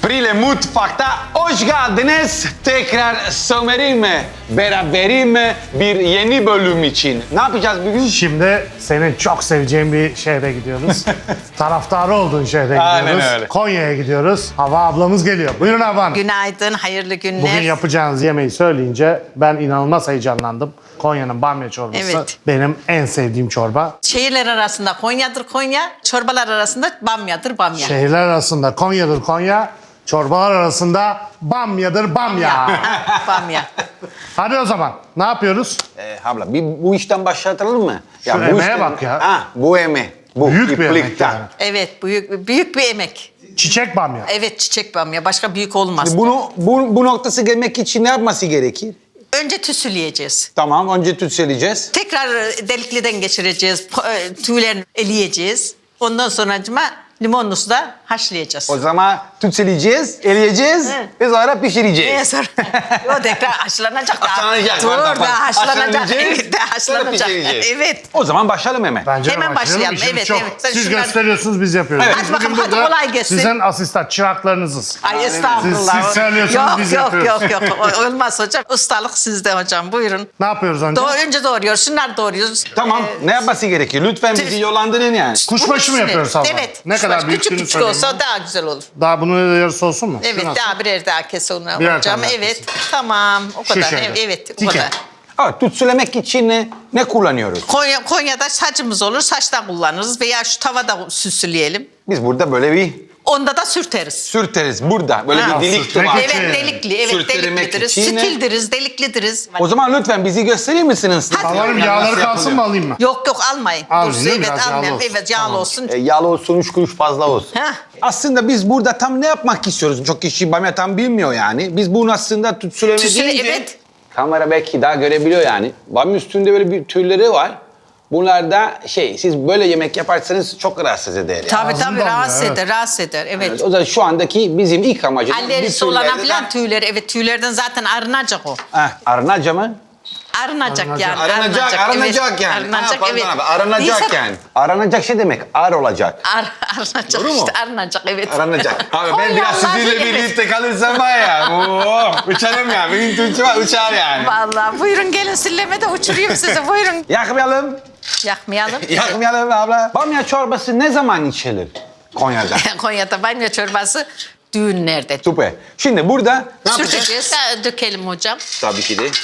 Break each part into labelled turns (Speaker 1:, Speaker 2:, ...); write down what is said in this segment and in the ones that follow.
Speaker 1: Prile Mutfak'ta hoş geldiniz. Tekrar Somer'im beraberim bir yeni bölüm için. Ne yapacağız bugün?
Speaker 2: Şimdi senin çok seveceğin bir şehre gidiyoruz. Taraftarı olduğun şehre gidiyoruz.
Speaker 1: Aynen öyle.
Speaker 2: Konya'ya gidiyoruz. Hava ablamız geliyor. Buyurun Hava Hanım.
Speaker 3: Günaydın, hayırlı günler.
Speaker 2: Bugün yapacağınız yemeği söyleyince ben inanılmaz heyecanlandım. Konya'nın bamya çorbası
Speaker 3: Evet.
Speaker 2: benim en sevdiğim çorba.
Speaker 3: Şehirler arasında Konya'dır Konya, çorbalar arasında Bamya'dır Bamya.
Speaker 2: Şehirler arasında Konya'dır Konya, çorbalar arasında bamyadır bamya.
Speaker 3: Ha, Bamya.
Speaker 2: Hadi o zaman ne yapıyoruz?
Speaker 1: Abla bu işten başlatalım mı?
Speaker 2: Şu emeğe
Speaker 1: işten-
Speaker 2: bak ya.
Speaker 1: Ha, bu emeği. Bu
Speaker 2: Büyük bir emek
Speaker 1: iplikten.
Speaker 2: yani.
Speaker 3: Evet, büyük bir emek.
Speaker 2: Çiçek bamya.
Speaker 3: Evet, çiçek Bamya. Başka büyük olmaz.
Speaker 1: Bu noktası gelmek için ne yapması gerekir?
Speaker 3: Önce tüsüleyeceğiz.
Speaker 1: Tamam, önce tütseleyeceğiz.
Speaker 3: Tekrar delikliden geçireceğiz. Tüylerini eleyeceğiz. Ondan sonracıma limonlu suda haşlayacağız.
Speaker 1: O zaman tütseleyeceğiz, eleyeceğiz
Speaker 3: Evet.
Speaker 1: ve sonra pişireceğiz.
Speaker 3: Sonra o tekrar haşlanacak.
Speaker 1: Haşlanacak.
Speaker 3: Dur,
Speaker 1: Tamam.
Speaker 3: daha haşlanacak.
Speaker 1: Haşlanacağız,
Speaker 3: Evet, daha
Speaker 1: sonra
Speaker 3: haşlanacak.
Speaker 1: pişireceğiz.
Speaker 3: Evet.
Speaker 1: O zaman başlayalım hemen.
Speaker 2: Bence
Speaker 3: Hemen başlayalım.
Speaker 2: İşimiz
Speaker 3: Evet,
Speaker 2: çok.
Speaker 3: evet. Sen
Speaker 2: Siz
Speaker 3: şunları-
Speaker 2: gösteriyorsunuz, biz yapıyoruz.
Speaker 1: Evet.
Speaker 2: Biz
Speaker 3: Hadi bakalım,
Speaker 2: bugün
Speaker 3: hadi
Speaker 2: burada
Speaker 3: kolay gelsin.
Speaker 2: Sizin asistan, çıraklarınızız.
Speaker 3: Ay estağfurullah.
Speaker 2: Siz söylüyorsunuz, biz yapıyoruz.
Speaker 3: Yok. Olmaz hocam. Ustalık sizde hocam. Buyurun.
Speaker 2: Ne yapıyoruz önce?
Speaker 3: Önce doğruyoruz. Şunları doğruyoruz.
Speaker 1: Tamam, ne yapması gerekir? Lütfen bizi yollandırın yani.
Speaker 2: Kuşbaşı mı yapıyoruz abla?
Speaker 3: Evet.
Speaker 2: Ne kadar
Speaker 3: kuşbaşı.
Speaker 2: büyüklüğünü
Speaker 3: Küçük
Speaker 2: söyleyeyim.
Speaker 3: olsa daha güzel olur.
Speaker 2: Daha bunun yarısı olsun mu?
Speaker 3: Evet,
Speaker 2: Şu nasıl?
Speaker 3: daha birer daha kes onu
Speaker 2: Birer
Speaker 3: hocam.
Speaker 2: tane
Speaker 3: Evet, tamam. O kadar.
Speaker 2: şöyle.
Speaker 3: Evet, o
Speaker 2: Dike.
Speaker 3: kadar.
Speaker 1: Evet, tütsülemek için ne kullanıyoruz?
Speaker 3: Konya'da saçımız olur. Saçtan kullanırız veya şu tavada süsleyelim.
Speaker 1: Biz burada böyle bir
Speaker 3: Onda da sürteriz.
Speaker 1: sürteriz burada. Böyle
Speaker 2: Ha,
Speaker 1: bir delik
Speaker 2: sürtmek
Speaker 1: var.
Speaker 2: için.
Speaker 3: Evet, delikli. Evet,
Speaker 1: Sürtelemek
Speaker 3: deliklidiriz.
Speaker 1: için ne?
Speaker 3: Stildiriz, deliklidiriz.
Speaker 1: O zaman lütfen bizi gösterir misiniz?
Speaker 2: Alalım, yağları kalsın mı alayım mı?
Speaker 3: Yok almayın.
Speaker 2: Almayın, değil mi?
Speaker 3: Evet,
Speaker 2: Biraz yağlı
Speaker 3: almayın.
Speaker 2: olsun.
Speaker 3: Evet, yağlı
Speaker 2: Tamam.
Speaker 3: olsun.
Speaker 1: Yağlı olsun, 3 kuruş fazla olsun.
Speaker 3: Heh.
Speaker 1: Aslında biz burada tam ne yapmak istiyoruz? Çok kişi bamya tam bilmiyor yani. Biz bunu aslında tütsüleme
Speaker 3: Tütsüle,
Speaker 1: deyince...
Speaker 3: evet.
Speaker 1: Kamera belki daha görebiliyor yani. Bamya üstünde böyle bir tüyleri var. Bunlar da siz böyle yemek yaparsanız çok rahatsız eder yani.
Speaker 3: Tabii
Speaker 2: Ağzından
Speaker 3: rahatsız
Speaker 2: ya,
Speaker 3: eder, rahatsız eder. Evet.
Speaker 1: O zaman şu andaki bizim ilk amacımız...
Speaker 3: Alerjisi olana filan tüyleri, evet tüylerden zaten arınacak o.
Speaker 1: Arınaca mı?
Speaker 3: Arınacak yani.
Speaker 1: Arınacak
Speaker 3: evet.
Speaker 1: yani.
Speaker 3: Arınacak,
Speaker 1: Pardon
Speaker 3: evet.
Speaker 1: abi, arınacak
Speaker 3: Neyse,
Speaker 1: yani. Arınacak şey demek, ar olacak.
Speaker 3: Arınacak
Speaker 1: Doğru mu?
Speaker 3: işte, arınacak evet.
Speaker 1: Aranacak. Abi ben biraz
Speaker 3: Konyalılar,
Speaker 1: sizinle
Speaker 3: evet.
Speaker 1: birlikte kalırsam var ya. Uçarım ya. Benim Türkçe var uçar yani.
Speaker 3: Vallahi buyurun gelin sillemede uçurayım sizi buyurun.
Speaker 1: Yakmayalım.
Speaker 3: Yakmayalım.
Speaker 1: Yakmayalım abla. Bamya çorbası ne zaman içilir Konya'da?
Speaker 3: Konya'da bamya çorbası düğünlerde.
Speaker 1: Süper. Şimdi burada ne yapacağız?
Speaker 3: Sürteceğiz, dökelim hocam.
Speaker 1: Tabii ki de.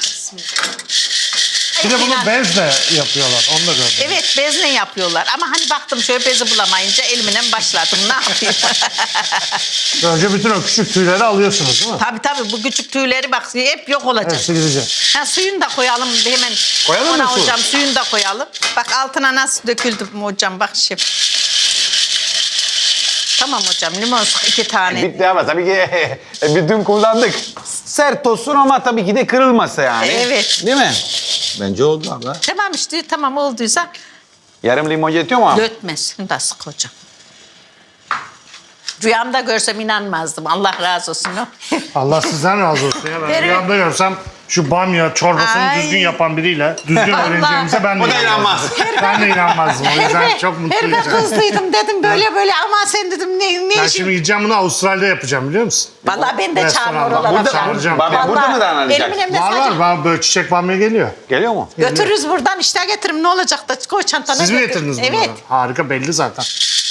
Speaker 2: Bir de bunu bezle yapıyorlar. Onu da gördüm.
Speaker 3: Evet bezle yapıyorlar ama hani baktım şöyle bezi bulamayınca elimle başladım ne yapayım.
Speaker 2: Önce bütün o küçük tüyleri alıyorsunuz değil mi?
Speaker 3: tabii bu küçük tüyleri bak hep yok olacak.
Speaker 2: Hepsi gidecek.
Speaker 3: Ha, suyunu da koyalım hemen.
Speaker 1: Koyalım mı
Speaker 3: Ona
Speaker 1: su?
Speaker 3: hocam suyunu da koyalım. Bak altına nasıl döküldü mü hocam bak şef. Tamam hocam limon sık 2 tane.
Speaker 1: Bitti ama tabii ki bütün kullandık. Sert olsun ama tabii ki de kırılmasa yani.
Speaker 3: Evet.
Speaker 1: Değil mi? Bence oldu abla.
Speaker 3: Tamam işte tamam olduysa
Speaker 1: Yarım limon yetiyor mu?
Speaker 3: dökmez. Şunu da sık hocam. Rüyamda görsem inanmazdım. Allah razı olsun.
Speaker 2: Allah sizden razı olsun ya. Ben
Speaker 3: Evet.
Speaker 2: rüyamda görsem şu bamya çorbasını
Speaker 3: Ay.
Speaker 2: düzgün yapan biriyle düzgün
Speaker 3: Allah.
Speaker 2: öğreneceğimize ben de
Speaker 1: O da inanmaz.
Speaker 2: Ben de inanmazdım. O yüzden çok mutluyum.
Speaker 3: Herife kızdıydım dedim böyle ama sen dedim ne
Speaker 2: Ben
Speaker 3: işin?
Speaker 2: şimdi gideceğim bunu Avustralya'da yapacağım biliyor musun?
Speaker 3: Vallahi ben de
Speaker 2: Restoranda.
Speaker 3: çağırma oralara.
Speaker 2: Burada
Speaker 3: falan.
Speaker 2: çağıracağım.
Speaker 1: Bamya burada mı
Speaker 3: Vallahi
Speaker 1: dayanacak?
Speaker 3: benim elimde
Speaker 2: Var
Speaker 3: sadece-
Speaker 2: var. Böyle çiçek bamya geliyor.
Speaker 1: Geliyor mu?
Speaker 3: Götürürüz buradan işte getirin ne olacak da koy çantana.
Speaker 2: Siz mi
Speaker 3: götür.
Speaker 2: getirdiniz bunları?
Speaker 3: Evet.
Speaker 2: Harika belli zaten.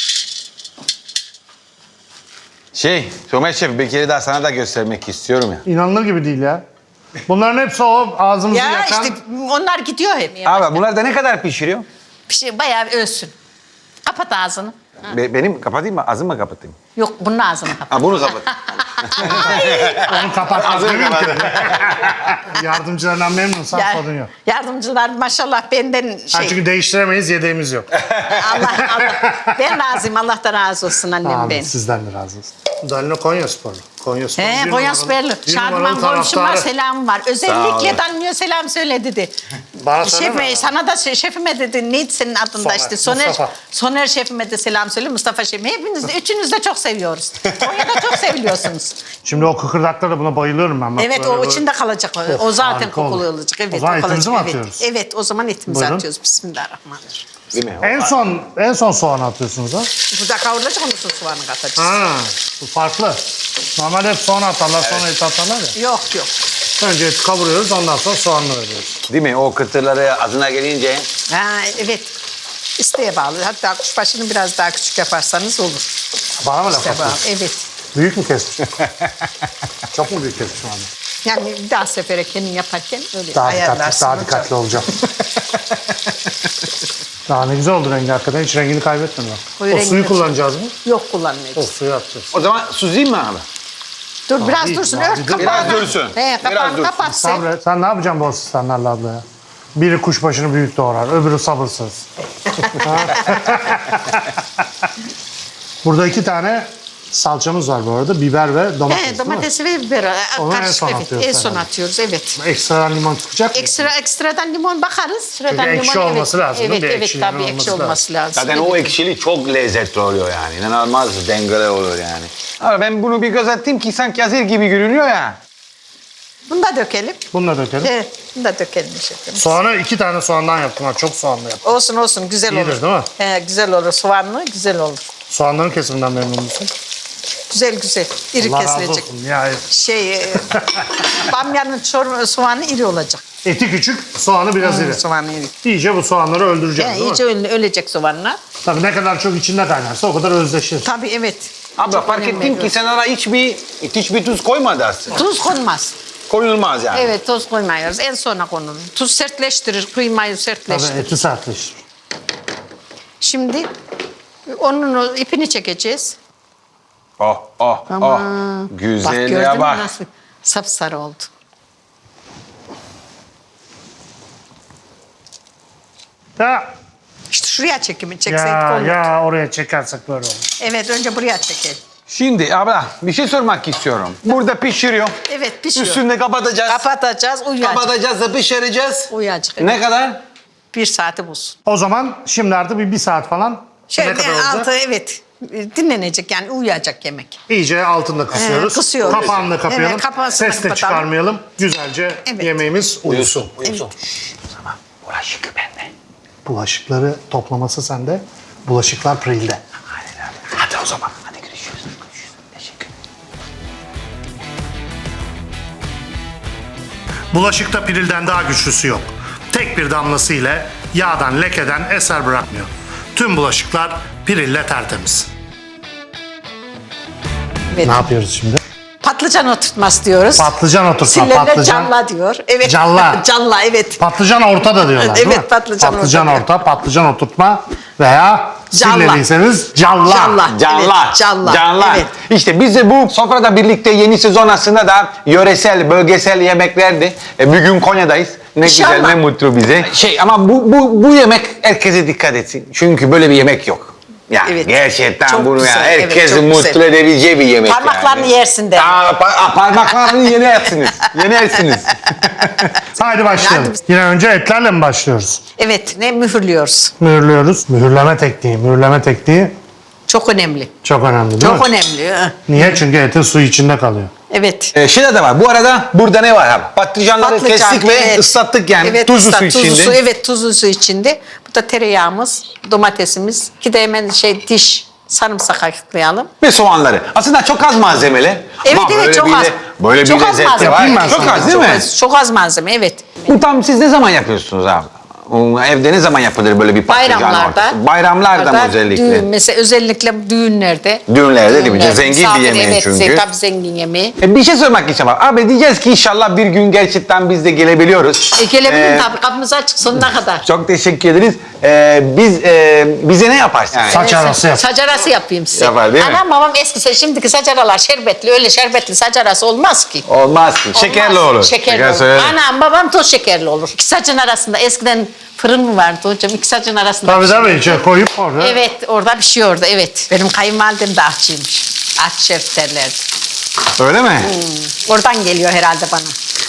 Speaker 1: Somer Şef bir kere daha sana da göstermek istiyorum ya.
Speaker 2: İnanılır gibi değil ya. Bunların hepsi o ağzımızı
Speaker 3: Ya
Speaker 2: yakan...
Speaker 3: işte onlar gidiyor hep.
Speaker 1: Abi bunlar da ne kadar pişiriyor?
Speaker 3: Bir şey bayağı ölsün. Kapat ağzını.
Speaker 1: Benim kapatayım mı? Ağzımı mı kapatayım?
Speaker 3: Yok bunun ağzını kapat.
Speaker 1: Ha bunu kapat.
Speaker 2: Onu kapatmaz
Speaker 1: Ağzını
Speaker 2: değil mi?
Speaker 1: kapat.
Speaker 2: Yardımcılarından memnunsan sorun yok.
Speaker 3: Yardımcılar maşallah benden
Speaker 2: Ha,
Speaker 3: şey.
Speaker 2: çünkü değiştiremeyiz, yedeğimiz yok.
Speaker 3: Allah. Ben razıyım. Allah da razı olsun annem
Speaker 2: Amin,
Speaker 3: benim.
Speaker 2: sizden de razı olsun. Danilo Konya sporlu. Konya sporlu.
Speaker 3: He,
Speaker 2: bir
Speaker 3: Konya
Speaker 2: numaralı-
Speaker 3: Süperli.
Speaker 2: bir
Speaker 3: Şadıman
Speaker 2: numaralı
Speaker 3: komşum var,
Speaker 2: taraftarı.
Speaker 3: selam var.
Speaker 1: Sağ
Speaker 3: Özellikle
Speaker 1: olun.
Speaker 3: Danilo selam söyle dedi.
Speaker 2: Bana söyleme.
Speaker 3: Şef, sana da şefime dedi. Neydi senin adın da
Speaker 2: Soner,
Speaker 3: işte? Soner,
Speaker 2: Mustafa.
Speaker 3: Soner şefime de selam söyle. Mustafa şefime. Hepiniz de, üçünüz de çok seviyoruz. Konya'da çok seviliyorsunuz.
Speaker 2: Şimdi o kıkırdaklara buna bayılıyorum ben. Bak,
Speaker 3: Evet,
Speaker 2: böyle
Speaker 3: o
Speaker 2: böyle.
Speaker 3: içinde kalacak. O
Speaker 2: Of,
Speaker 3: zaten
Speaker 2: harika olur.
Speaker 3: kokulu olacak. Evet,
Speaker 2: O zaman
Speaker 3: kalacak.
Speaker 2: etimizi mi
Speaker 3: Evet.
Speaker 2: atıyoruz?
Speaker 3: Evet, o zaman etimizi
Speaker 2: Buyurun.
Speaker 3: atıyoruz. Bismillahirrahmanirrahim.
Speaker 1: Değil mi?
Speaker 2: En son soğan atıyorsunuz ha?
Speaker 3: Bu da kavrulacak, onun sonra soğanı katacağız.
Speaker 2: Ha, bu farklı. Normalde hep soğan atarlar, sonra et atarlar ya.
Speaker 3: Yok yok.
Speaker 2: Önce eti kavuruyoruz, ondan sonra soğanla veriyoruz.
Speaker 1: Değil mi? O kıtırları ağzına gelince
Speaker 3: Ha, evet. İsteğe bağlı. Hatta kuşbaşını biraz daha küçük yaparsanız olur.
Speaker 2: Bana mı laf
Speaker 3: İsteğe bağlı.
Speaker 2: atıyorsun?
Speaker 3: Evet.
Speaker 2: Büyük mü kesmişim? Çok mu büyük kesmişim abi?
Speaker 3: Yani bir daha sefere kendin yaparken öyle
Speaker 2: Daha dikkatli,
Speaker 3: ayarlarsın.
Speaker 2: daha
Speaker 3: hocam.
Speaker 2: dikkatli olacağım. Daha ne güzel oldu rengi hakikaten. Hiç rengini kaybetmedi bak.
Speaker 3: Koyu
Speaker 2: O
Speaker 3: rengini
Speaker 2: suyu
Speaker 3: de-
Speaker 2: kullanacağız mı?
Speaker 3: Yok kullanmayacağız.
Speaker 2: O suyu atacağız.
Speaker 1: o zaman süzeyim mi abi?
Speaker 3: Dur biraz
Speaker 2: değil,
Speaker 3: dursun.
Speaker 2: daha
Speaker 3: Ört
Speaker 2: bir dur.
Speaker 3: kapağını.
Speaker 1: Biraz dursun.
Speaker 3: He,
Speaker 1: Biraz
Speaker 3: kapağını
Speaker 1: dursun.
Speaker 3: kapat sen.
Speaker 2: Sabret. Sen ne yapacaksın bu asistanlarla abla ya? Biri kuşbaşını büyük doğrar, öbürü sabırsız. Burada 2 tane salçamız var bu arada. Biber ve domates,
Speaker 3: He,
Speaker 2: değil mi?
Speaker 3: domatesi ve biberi.
Speaker 2: Onu en
Speaker 3: Karışık,
Speaker 2: son
Speaker 3: evet.
Speaker 2: atıyoruz
Speaker 3: En son
Speaker 2: herhalde.
Speaker 3: atıyoruz, evet.
Speaker 2: Ekstradan limon tutacak mı?
Speaker 3: Ekstradan limon bakarız. Sıradan
Speaker 2: Çünkü ekşi
Speaker 3: limon,
Speaker 2: olması lazım, değil mi?
Speaker 3: Evet,
Speaker 2: Bir
Speaker 3: evet
Speaker 2: ekşiliğinin
Speaker 3: tabii ekşi
Speaker 2: olması
Speaker 3: olması lazım.
Speaker 1: Zaten
Speaker 3: evet.
Speaker 1: o ekşili çok lezzetli oluyor yani. İnanılmaz dengeli olur yani. Ama ben bunu bir göz attım ki sanki hazır gibi görünüyor ya.
Speaker 3: Bunu da dökelim.
Speaker 2: Bunu da dökelim.
Speaker 3: Evet, bunu da dökelim şefim.
Speaker 2: Soğanı 2 tane soğandan yaptım. Ha, çok soğanlı yaptım.
Speaker 3: Olsun olsun güzel
Speaker 2: İyidir,
Speaker 3: olur.
Speaker 2: değil mi?
Speaker 3: He, güzel olur. Soğanlı güzel olur.
Speaker 2: Soğanların kesiminden memnun musun?
Speaker 3: Güzel güzel. İri
Speaker 2: Allah razı
Speaker 3: kesilecek.
Speaker 2: olsun. Ya,
Speaker 3: Bamyanın soğanı iri olacak.
Speaker 2: eti küçük, soğanı biraz iri.
Speaker 3: Soğanı iri.
Speaker 2: İyice bu soğanları öldüreceğiz,
Speaker 3: Yani
Speaker 2: değil
Speaker 3: iyice
Speaker 2: mi?
Speaker 3: ölecek soğanlar.
Speaker 2: Tabii ne kadar çok içinde kaynarsa o kadar özleşir.
Speaker 3: Tabii evet.
Speaker 1: Abla
Speaker 3: Çok
Speaker 1: fark
Speaker 3: önem
Speaker 1: ettim ki
Speaker 3: veriyorum.
Speaker 1: sen ara hiçbir tuz koymadı aslında.
Speaker 3: Tuz konmaz.
Speaker 1: Koyulmaz yani.
Speaker 3: Evet tuz koymuyoruz. En sona konulur. Tuz sertleştirir, kıymayı
Speaker 2: Tabii
Speaker 3: sertleştirir.
Speaker 2: eti sertleşir.
Speaker 3: Şimdi onun ipini çekeceğiz.
Speaker 1: Oh oh
Speaker 3: Ama
Speaker 1: oh.
Speaker 3: bak
Speaker 1: Güzelliğe
Speaker 3: gördün mü
Speaker 1: bak.
Speaker 3: nasıl sapsarı oldu.
Speaker 2: Ya,
Speaker 3: İşte şuraya çekimi çekseydik olur.
Speaker 2: ya oraya çekersek böyle olur.
Speaker 3: Evet önce buraya çekelim.
Speaker 1: Şimdi abla bir şey sormak istiyorum. Burada pişiriyor.
Speaker 3: Evet pişiyor.
Speaker 1: Üstünde kapatacağız.
Speaker 3: Kapatacağız uyuyacak.
Speaker 1: Kapatacağız da pişireceğiz.
Speaker 3: Uyuyacak.
Speaker 1: Ne kadar?
Speaker 3: Bir saati bulsun.
Speaker 2: O zaman şimdi artık bir saat falan
Speaker 3: Şöyle
Speaker 2: ne kadar olacak?
Speaker 3: altı evet dinlenecek yani uyuyacak yemek.
Speaker 2: İyice altında kısıyoruz.
Speaker 3: Kısıyoruz.
Speaker 2: Kapağını da kapayalım.
Speaker 3: Evet, kapağını
Speaker 2: Ses de
Speaker 3: kapatalım.
Speaker 2: çıkarmayalım. Güzelce
Speaker 3: Evet.
Speaker 2: yemeğimiz uyusun.
Speaker 1: Uyusun. Tamam. Bulaşık bende.
Speaker 2: Bulaşıkları toplaması sende. Bulaşıklar Pril'de.
Speaker 1: Aynen öyle. Hadi o zaman. Hadi görüşürüz. Teşekkür.
Speaker 2: Bulaşıkta Pril'den daha güçlüsü yok. Tek bir damlası ile yağdan, lekeden eser bırakmıyor. Tüm bulaşıklar Pril'le tertemiz.
Speaker 3: Evet.
Speaker 2: Ne yapıyoruz şimdi?
Speaker 3: Patlıcan oturtması diyoruz.
Speaker 2: Patlıcan oturtma.
Speaker 3: Sillerler
Speaker 2: Patlıcan.
Speaker 3: calla diyor. Evet.
Speaker 2: Calla.
Speaker 3: Calla evet.
Speaker 2: Patlıcan orta da diyorlar değil
Speaker 3: Evet,
Speaker 2: mi?
Speaker 3: patlıcan
Speaker 2: Patlıcan
Speaker 3: orta.
Speaker 2: orta, patlıcan oturtma veya
Speaker 3: Calla.
Speaker 2: sillediyseniz calla.
Speaker 3: Calla.
Speaker 1: Canlar.
Speaker 3: Evet, canlar.
Speaker 1: Canlar.
Speaker 3: Evet.
Speaker 1: İşte biz de bu sofrada birlikte yeni sezon aslında da yöresel, bölgesel yemeklerdi. Bugün Konya'dayız. Ne
Speaker 3: İnşallah.
Speaker 1: güzel, ne mutlu bize. Ama bu yemek herkese dikkat etsin. Çünkü böyle bir yemek yok. Yani
Speaker 3: Evet.
Speaker 1: gerçekten
Speaker 3: Çok
Speaker 1: bunu
Speaker 3: güzel,
Speaker 1: yani
Speaker 3: evet,
Speaker 1: herkesi
Speaker 3: çok
Speaker 1: mutlu
Speaker 3: güzel.
Speaker 1: edebileceği bir yemek
Speaker 3: Parmaklarını
Speaker 1: yani.
Speaker 3: yersin de.
Speaker 1: Parmaklarını yenersiniz. Yenersiniz.
Speaker 2: Haydi başlayalım.
Speaker 3: Hadi.
Speaker 2: Yine önce etlerle mi başlıyoruz?
Speaker 3: Evet ne mühürlüyoruz.
Speaker 2: Mühürlüyoruz. Mühürleme tekniği. Mühürleme tekniği
Speaker 3: Çok önemli.
Speaker 2: çok önemli değil
Speaker 3: Çok
Speaker 2: mi?
Speaker 3: önemli.
Speaker 2: Niye? Çünkü etin suyu içinde kalıyor.
Speaker 3: Evet.
Speaker 1: Şey de var. Bu arada burada ne var abi? Patlıcanları kestik ve
Speaker 3: evet.
Speaker 1: ıslattık yani.
Speaker 3: Evet,
Speaker 1: Tuzlu su içinde.
Speaker 3: Tuzlu su, evet tuzlu su içinde. Bu da tereyağımız, domatesimiz. Ki de hemen diş sarımsak ayıklayalım.
Speaker 1: Ve soğanları. Aslında çok az malzemeli.
Speaker 3: Evet
Speaker 1: Ama
Speaker 3: evet
Speaker 1: böyle
Speaker 3: çok
Speaker 1: bir
Speaker 3: az.
Speaker 1: de- Böyle
Speaker 3: Çok
Speaker 1: bir
Speaker 3: az
Speaker 1: lezzeti
Speaker 3: malzeme.
Speaker 1: var.
Speaker 2: Yapayım ben
Speaker 1: Çok
Speaker 2: sana.
Speaker 1: az değil mi?
Speaker 3: Çok az malzeme evet.
Speaker 1: Bu tam siz ne zaman yapıyorsunuz abi? Evde ne zaman yapılır böyle bir patlıcan
Speaker 3: Bayramlarda.
Speaker 1: ortası? Bayramlarda mı özellikle?
Speaker 3: Düğün, mesela özellikle düğünlerde.
Speaker 1: Düğünlerde değil mi? Zengin bir
Speaker 3: misafir,
Speaker 1: yemeği
Speaker 3: evet,
Speaker 1: çünkü.
Speaker 3: Tabii zengin yemeği.
Speaker 1: Bir şey sormak istiyorum abi. Abi diyeceğiz ki inşallah bir gün gerçekten biz de gelebiliyoruz.
Speaker 3: Gelebilirim tabii kapımız açık sonuna kadar.
Speaker 1: Çok teşekkür ederiz. Bize ne yaparsın? Yani?
Speaker 2: Saç arası yap.
Speaker 3: Saç arası yapayım size.
Speaker 1: Yapar, değil mi?
Speaker 3: Anam babam eski, şimdiki saç aralar şerbetli, öyle şerbetli saç arası olmaz ki.
Speaker 1: Olmaz ki. Şekerli
Speaker 3: Olmaz.
Speaker 1: olur.
Speaker 3: Şekerli
Speaker 1: Şeker
Speaker 3: olur.
Speaker 1: söylerim.
Speaker 3: Anam babam toz şekerli olur. İki saçın arasında eskiden fırın mı vardı hocam? İki saçın arasında.
Speaker 2: Tabii
Speaker 3: pişiyor.
Speaker 2: tabii içine koyup orada.
Speaker 3: Evet orada pişiyordu evet. Benim kayınvalidem de aşçıymış. Aşçı şef derlerdi.
Speaker 1: Öyle mi?
Speaker 3: Oradan geliyor herhalde bana.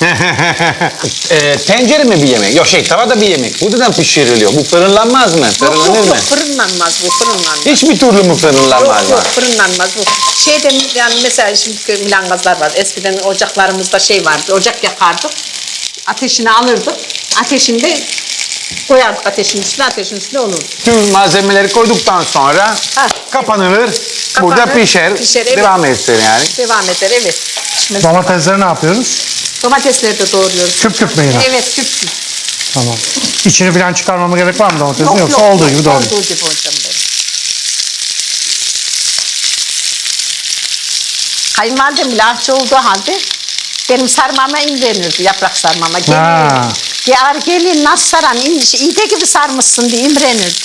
Speaker 1: Tencere mi bir yemek? Yok tavada bir yemek. Burada da pişiriliyor. Bu fırınlanmaz mı?
Speaker 3: Yok
Speaker 1: Fırınlanır
Speaker 3: yok
Speaker 1: mı?
Speaker 3: yok fırınlanmaz bu fırınlanmaz.
Speaker 1: Hiçbir türlü mü fırınlanmaz
Speaker 3: Yok
Speaker 1: mı?
Speaker 3: fırınlanmaz bu. Şeyden yani mesela şimdi milangazlar var. Eskiden ocaklarımızda şey vardı. Ocak yakardık. Ateşini alırdık. Ateşinde koyardık ateşin üstüne olurdu.
Speaker 1: Tüm malzemeleri koyduktan sonra
Speaker 3: Ha.
Speaker 1: kapanılır. Burada
Speaker 3: Kapanır,
Speaker 1: pişer.
Speaker 3: evet.
Speaker 1: Devam etsin yani.
Speaker 3: Devam eder evet. Şimdi
Speaker 2: Domatesleri ne yapıyoruz?
Speaker 3: domatesleri de doğruyoruz.
Speaker 2: Küp küp mü yine?
Speaker 3: Evet küp küp.
Speaker 2: Tamam. İçini falan çıkarmama gerek var mı domatesin?
Speaker 3: Yok,
Speaker 2: Yoksa
Speaker 3: yok,
Speaker 2: olduğu gibi doğru.
Speaker 3: Olduğu gibi hocam benim. Kayınvalidem bile aşçı olduğu halde benim sarmama imrenirdi, yaprak sarmama.
Speaker 2: Ha.
Speaker 3: Gelin nasıl saran, iğde gibi sarmışsın diye imrenirdi.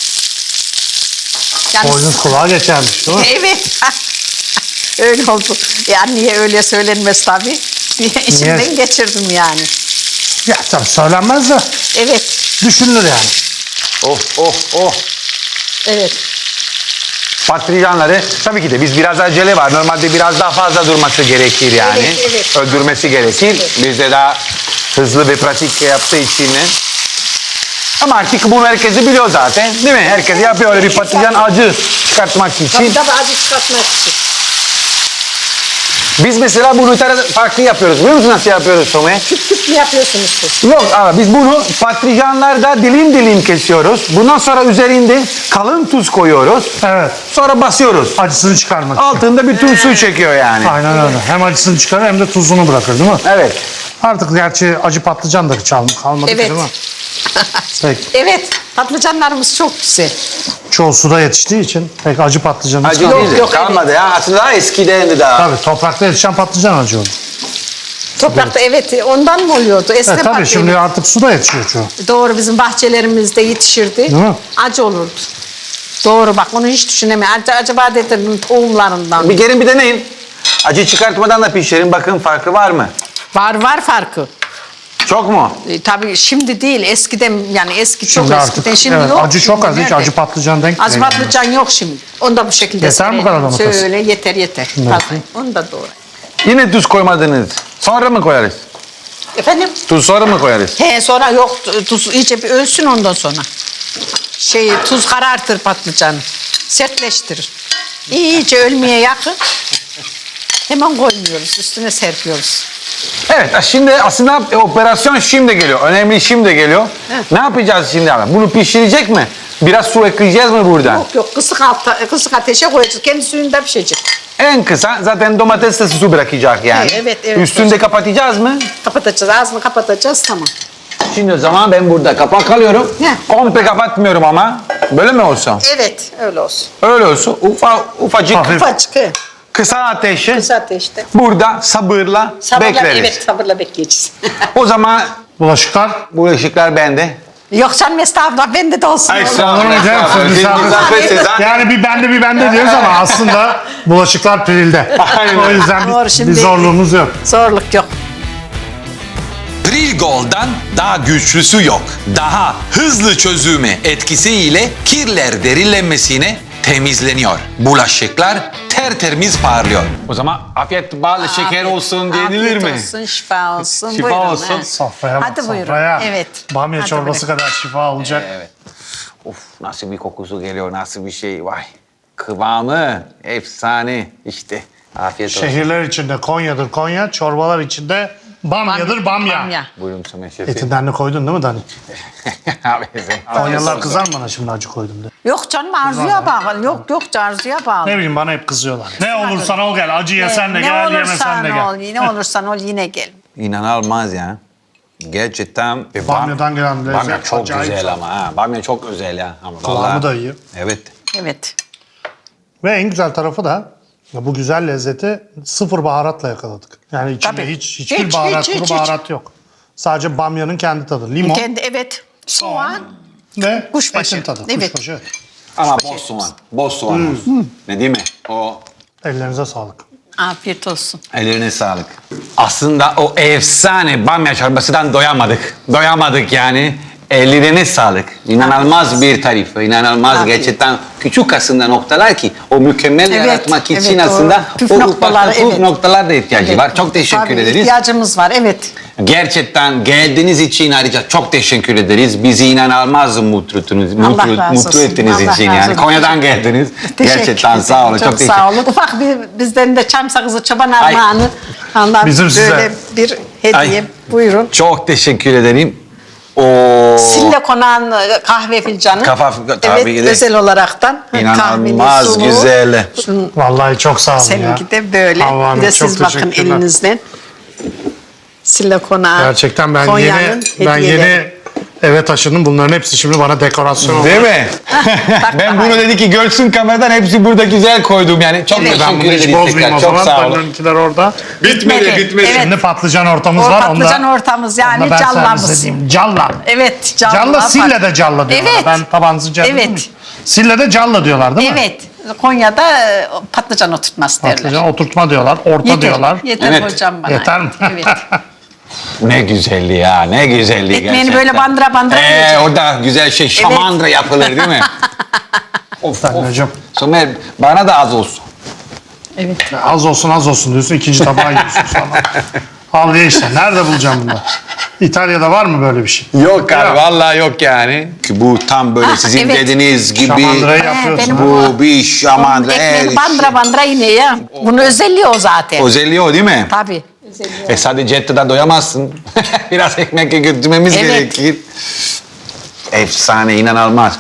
Speaker 3: Yani,
Speaker 2: Boynuz kulağa geçermiş değil mi?
Speaker 3: evet. Öyle oldu. Yani niye öyle söylenmez tabii. İçimden geçirdim yani.
Speaker 2: Ya tabii söylenmez de
Speaker 3: Evet,
Speaker 2: düşünülür yani.
Speaker 1: Oh.
Speaker 3: evet.
Speaker 1: Patlıcanları tabii ki de biz biraz acele var. Normalde biraz daha fazla durması gerekir yani.
Speaker 3: Evet.
Speaker 1: Öldürmesi gerekir. Biz de daha hızlı ve pratik yaptığı için. Ama artık bunu herkes biliyor zaten. Değil mi? Herkes yapıyor öyle bir patlıcan acı çıkartmak için.
Speaker 3: Tabii acı çıkartmak için.
Speaker 1: Biz mesela bunu farklı yapıyoruz. Biliyor musun nasıl yapıyoruz Somer?
Speaker 3: Küp küp mü yapıyorsunuz siz?
Speaker 1: Yok abi biz bunu patlıcanlarda dilim kesiyoruz. Bundan sonra üzerinde kalın tuz koyuyoruz.
Speaker 2: Evet.
Speaker 1: Sonra basıyoruz.
Speaker 2: Acısını çıkarmak için.
Speaker 1: Altında bütün su çekiyor yani.
Speaker 2: Aynen öyle. Hem acısını çıkarır hem de tuzunu bırakır değil mi?
Speaker 1: Evet.
Speaker 2: Artık gerçi acı patlıcan da hiç kalmadı ki
Speaker 3: Evet.
Speaker 2: değil mi? Peki.
Speaker 3: Evet, patlıcanlarımız çok güzel.
Speaker 2: Çoğu suda yetiştiği için pek acı patlıcan hiç
Speaker 1: Acı
Speaker 2: kalmadı.
Speaker 1: değil.
Speaker 3: yok,
Speaker 1: Kalmadı ya. Aslında daha eskidendi daha.
Speaker 2: Tabii toprakta yetişen patlıcan acı olur.
Speaker 3: Toprakta evet, ondan mı oluyordu? Eskiden
Speaker 2: Evet, tabii
Speaker 3: patlıcan.
Speaker 2: şimdi artık suda yetişiyor çoğu.
Speaker 3: Doğru, bizim bahçelerimizde yetişirdi.
Speaker 2: Değil mi?
Speaker 3: Acı olurdu. Doğru bak, onu hiç düşünemiyorum. Acaba dedim tohumlarından.
Speaker 1: Bir gelin bir deneyin. Acı çıkartmadan da pişirin. Bakın farkı var mı?
Speaker 3: Var farkı.
Speaker 1: Çok mu?
Speaker 3: Tabii şimdi değil, eskiden yani eski çok
Speaker 2: Şimdi
Speaker 3: eskiden.
Speaker 2: artık
Speaker 3: Şimdi
Speaker 2: evet,
Speaker 3: yok.
Speaker 2: acı çok
Speaker 3: Şimdi
Speaker 2: az. Hiç
Speaker 3: nerede?
Speaker 2: acı patlıcan denk
Speaker 3: Acı
Speaker 2: değil.
Speaker 3: patlıcan yok şimdi. Onu da bu şekilde
Speaker 2: Yeter mi bu kadar domates?
Speaker 3: Şöyle yeter. Fazla. Onu da doğru.
Speaker 1: Yine tuz koymadınız. Sonra mı koyarız?
Speaker 3: Efendim?
Speaker 1: Tuz sonra mı koyarız?
Speaker 3: He sonra yok tuz iyice bir ölsün ondan sonra. Tuz karartır patlıcanı. Sertleştirir. İyice ölmeye yakın. Hemen koymuyoruz. Üstüne serpiyoruz.
Speaker 1: Evet şimdi aslında operasyon şimdi geliyor. Önemli şimdi geliyor.
Speaker 3: Evet.
Speaker 1: Ne yapacağız şimdi abi? Bunu pişirecek mi? Biraz su ekleyeceğiz mi burada?
Speaker 3: Yok kısık ateşe koyacağız. Kendi suyunda pişecek.
Speaker 1: En kısa zaten domates de su bırakacak yani.
Speaker 3: Evet.
Speaker 1: Üstünde kapatacağız mı?
Speaker 3: Kapatacağız. Ağzını kapatacağız. Tamam.
Speaker 1: Şimdi o zaman ben burada kapak alıyorum.
Speaker 3: Ne?
Speaker 1: Komple kapatmıyorum ama. Böyle mi olsun?
Speaker 3: Evet öyle olsun.
Speaker 1: Öyle olsun. Ufacık
Speaker 2: Hafif.
Speaker 3: Ufacık. He.
Speaker 1: kısa ateşi.
Speaker 3: Kısa ateşte.
Speaker 1: Burada sabırla bekleriz.
Speaker 3: Evet sabırla bekleyeceğiz.
Speaker 1: O zaman
Speaker 2: Bulaşıklar.
Speaker 1: bu ışıklar bende.
Speaker 3: Yok canım estağfurullah bende de olsun.
Speaker 2: Olur mu canım? Siz misafir- Yani bir bende diyoruz ama aslında bulaşıklar Pril'de.
Speaker 1: Aynen.
Speaker 2: O yüzden
Speaker 3: Doğru,
Speaker 2: bir
Speaker 3: şimdi-
Speaker 2: zorluğumuz yok.
Speaker 3: Zorluk yok.
Speaker 4: Pril Gold'dan daha güçlüsü yok. Daha hızlı çözümü etkisiyle kirler derinlenmesine temizleniyor. Bulaşıklar tertemiz parlıyor.
Speaker 1: O zaman afiyet bal şeker olsun denilir mi?
Speaker 3: Afiyet olsun, şifa olsun.
Speaker 1: Şifa
Speaker 3: Buyurun,
Speaker 1: olsun.
Speaker 3: he.
Speaker 2: Sofraya bak,
Speaker 3: Hadi buyurun.
Speaker 2: sofraya.
Speaker 3: Evet.
Speaker 2: Bamya
Speaker 3: Hadi
Speaker 2: çorbası
Speaker 3: buyurun.
Speaker 2: kadar şifa olacak.
Speaker 1: Evet. Of nasıl bir kokusu geliyor, nasıl bir şey. Vay. Kıvamı efsane işte. Afiyet olsun.
Speaker 2: Şehirler içinde Konya'dır Konya, çorbalar içinde Bamya'dır Bamya.
Speaker 1: Buyurun Somer şefim.
Speaker 2: Etinden de koydun değil mi Dani?
Speaker 1: Abi sen-
Speaker 2: Konyalılar kızar mı bana şimdi acı koydum diye.
Speaker 3: Yok canım arzuya bağlı. Yok arzuya bağlı.
Speaker 2: Ne bileyim bana hep kızıyorlar. Ne olursan ol gel, acı yesen de
Speaker 3: Ne
Speaker 2: gel, yemesen
Speaker 3: olursan
Speaker 2: de gel.
Speaker 3: ol, ne olursan ol yine gel.
Speaker 1: İnanılmaz ya. Gerçekten.
Speaker 2: Bamyadan gelen lezzet
Speaker 1: Bamya çok
Speaker 2: acayip.
Speaker 1: güzel ama ha. Bamya çok özel ya. Ama
Speaker 2: Kıvamı
Speaker 1: vallahi-
Speaker 2: da iyi.
Speaker 1: Evet.
Speaker 3: Evet.
Speaker 2: Ve en güzel tarafı da ya bu güzel lezzeti sıfır baharatla yakaladık. Yani içinde
Speaker 3: Tabii.
Speaker 2: hiçbir
Speaker 3: Hiç,
Speaker 2: baharat,
Speaker 3: hiç,
Speaker 2: kuru
Speaker 3: hiç.
Speaker 2: baharat yok. Sadece bamyanın kendi tadı. Limon
Speaker 3: Evet. Soğan.
Speaker 2: ve
Speaker 3: Kuşbaşı.
Speaker 2: etin tadı.
Speaker 3: Evet.
Speaker 2: Kuşbaşı.
Speaker 1: Ama boz soğan. Boz soğan olsun. Ne değil mi? O
Speaker 2: Ellerinize sağlık.
Speaker 3: Afiyet olsun.
Speaker 1: ellerine sağlık. Aslında o efsane bamya çorbasından doyamadık. Doyamadık yani. Ellerine sağlık. İnanılmaz bir tarif. İnanılmaz
Speaker 3: Afiyet.
Speaker 1: gerçekten küçük aslında noktalar ki o mükemmel
Speaker 3: Evet,
Speaker 1: yaratmak için
Speaker 3: evet, o
Speaker 1: aslında
Speaker 3: püf
Speaker 1: o
Speaker 3: noktaları,
Speaker 1: ufak
Speaker 3: evet.
Speaker 1: noktalar da ihtiyacı var. Çok teşekkür
Speaker 3: Tabii,
Speaker 1: ederiz.
Speaker 3: ihtiyacımız var, evet.
Speaker 1: Gerçekten geldiğiniz için ayrıca çok teşekkür ederiz. Bizi inanılmaz mutlu
Speaker 3: Allah razı olsun.
Speaker 1: ettiğiniz
Speaker 3: Allah
Speaker 1: için
Speaker 3: razı
Speaker 1: yani.
Speaker 3: olsun.
Speaker 1: Konya'dan geldiniz.
Speaker 3: Teşekkür
Speaker 1: Gerçekten
Speaker 3: ederim.
Speaker 1: sağ olun. Çok teşekkür
Speaker 3: sağ olun. Ufak bir bizden de çam sakızı çoban
Speaker 1: Ay.
Speaker 3: armağanı. Allah
Speaker 2: Bizim size.
Speaker 3: böyle bir hediye.
Speaker 1: Ay.
Speaker 3: Buyurun.
Speaker 1: Çok teşekkür ederim. O
Speaker 3: Sille konan kahve fincanı.
Speaker 1: Tabii
Speaker 3: evet,
Speaker 1: de.
Speaker 3: özel olaraktan.
Speaker 1: İnanılmaz
Speaker 3: Kahveniz, sulu.
Speaker 1: güzel.
Speaker 2: Vallahi çok sağ olun ya.
Speaker 3: Seninki de böyle.
Speaker 2: Havva Hanım,
Speaker 3: Bir de
Speaker 2: çok
Speaker 3: siz bakın
Speaker 2: teşekkürler.
Speaker 3: elinizden. Sille konağı.
Speaker 2: Gerçekten ben
Speaker 3: Konya'nın
Speaker 2: yeni
Speaker 3: hediyeleri.
Speaker 2: eve taşındım. Bunların hepsi şimdi bana dekorasyon oldu.
Speaker 1: Değil mi? Ben bunu dedi ki görsün kameradan hepsi burada güzel koydum yani. Çok
Speaker 3: Evet.
Speaker 2: Ben bunu
Speaker 1: teşekkür
Speaker 2: hiç
Speaker 1: ederiz
Speaker 2: bozmayayım
Speaker 1: tekrar.
Speaker 2: o
Speaker 1: Çok
Speaker 2: zaman.
Speaker 1: sağ olun.
Speaker 2: Bunlarınkiler orada.
Speaker 1: Bitmedi.
Speaker 3: Evet.
Speaker 2: Şimdi patlıcan ortamız
Speaker 3: O
Speaker 2: var.
Speaker 3: patlıcan
Speaker 2: Onda,
Speaker 3: ortamız
Speaker 2: onda
Speaker 3: yani
Speaker 2: ben servis
Speaker 3: callamız.
Speaker 2: edeyim. Calla.
Speaker 3: Evet, calla.
Speaker 2: Calla Sille'de calla diyorlar.
Speaker 3: Evet.
Speaker 2: Ben tabancı calla.
Speaker 3: Evet.
Speaker 2: Sille'de calla diyorlar değil mi?
Speaker 3: Evet. Konya'da patlıcan oturtması derler.
Speaker 2: Patlıcan oturtma diyorlar. Orta diyorlar.
Speaker 3: Yeter
Speaker 1: Evet.
Speaker 3: hocam bana.
Speaker 2: Yeter mi?
Speaker 3: Evet.
Speaker 1: Ne güzelli ya, ne güzelli
Speaker 3: Ekmeğini
Speaker 1: gerçekten.
Speaker 3: böyle bandıra bandıra yiyeceksin.
Speaker 1: Orada güzel şey şamandıra yapılır değil mi? Of
Speaker 2: Tabii hocam.
Speaker 1: Somer bana da az olsun.
Speaker 3: Evet.
Speaker 2: Az olsun diyorsun. İkinci tabağı yiyorsun sonra. Al ye işte. Nerede bulacağım bunu? İtalya'da var mı böyle bir şey?
Speaker 1: Yok abi vallahi yok yani. Ki bu tam böyle
Speaker 3: Ah,
Speaker 1: sizin
Speaker 3: evet.
Speaker 1: dediğiniz gibi
Speaker 2: Şamandırayı
Speaker 3: He,
Speaker 2: yapıyorsun.
Speaker 3: benim
Speaker 1: bu bir şamandıra.
Speaker 3: Ekmeğini bandıra bandıra yine ya. Bunun özelliği o zaten.
Speaker 1: Özelliği o değil mi?
Speaker 3: Tabii.
Speaker 1: Sadece ette doyamazsın. Biraz ekmek götürmemiz
Speaker 3: Evet.
Speaker 1: gerekir. Efsane, inanılmaz.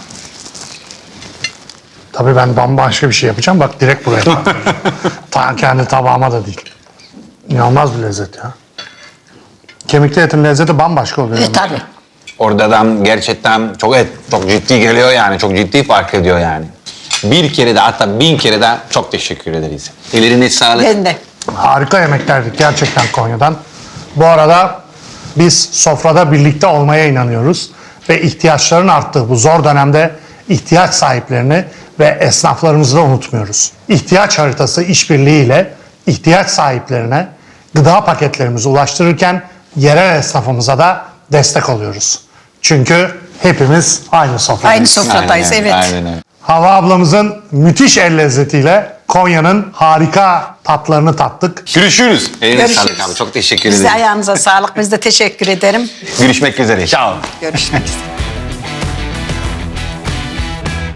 Speaker 2: Tabii ben bambaşka bir şey yapacağım. Bak direkt buraya koyacağım. Kendi tabağıma da değil. İnanılmaz bir lezzet ya. Kemikli etin lezzeti bambaşka oluyor. yani.
Speaker 3: Tabii.
Speaker 1: Oradan gerçekten çok ciddi geliyor yani. Çok ciddi fark ediyor yani. Bir kere de hatta 1000 kere de çok teşekkür ederiz. Ellerine sağlık.
Speaker 3: Ben de.
Speaker 2: Harika yemeklerdik gerçekten Konya'dan. Bu arada biz sofrada birlikte olmaya inanıyoruz. Ve ihtiyaçların arttığı bu zor dönemde ihtiyaç sahiplerini ve esnaflarımızı da unutmuyoruz. İhtiyaç haritası işbirliğiyle ihtiyaç sahiplerine gıda paketlerimizi ulaştırırken yerel esnafımıza da destek oluyoruz. Çünkü hepimiz aynı sofradayız.
Speaker 3: Aynı sofradayız,
Speaker 1: Aynen,
Speaker 3: evet.
Speaker 1: aynen öyle.
Speaker 2: Hava ablamızın müthiş el lezzetiyle Konya'nın harika tatlarını tattık.
Speaker 1: Görüşürüz. Eline
Speaker 3: Görüşürüz.
Speaker 1: sağlık abi. Çok teşekkür
Speaker 3: Biz de
Speaker 1: ederim.
Speaker 3: ayağınıza sağlık. Biz de teşekkür ederim.
Speaker 1: Görüşmek üzere. Ciao.
Speaker 3: Görüşmek üzere.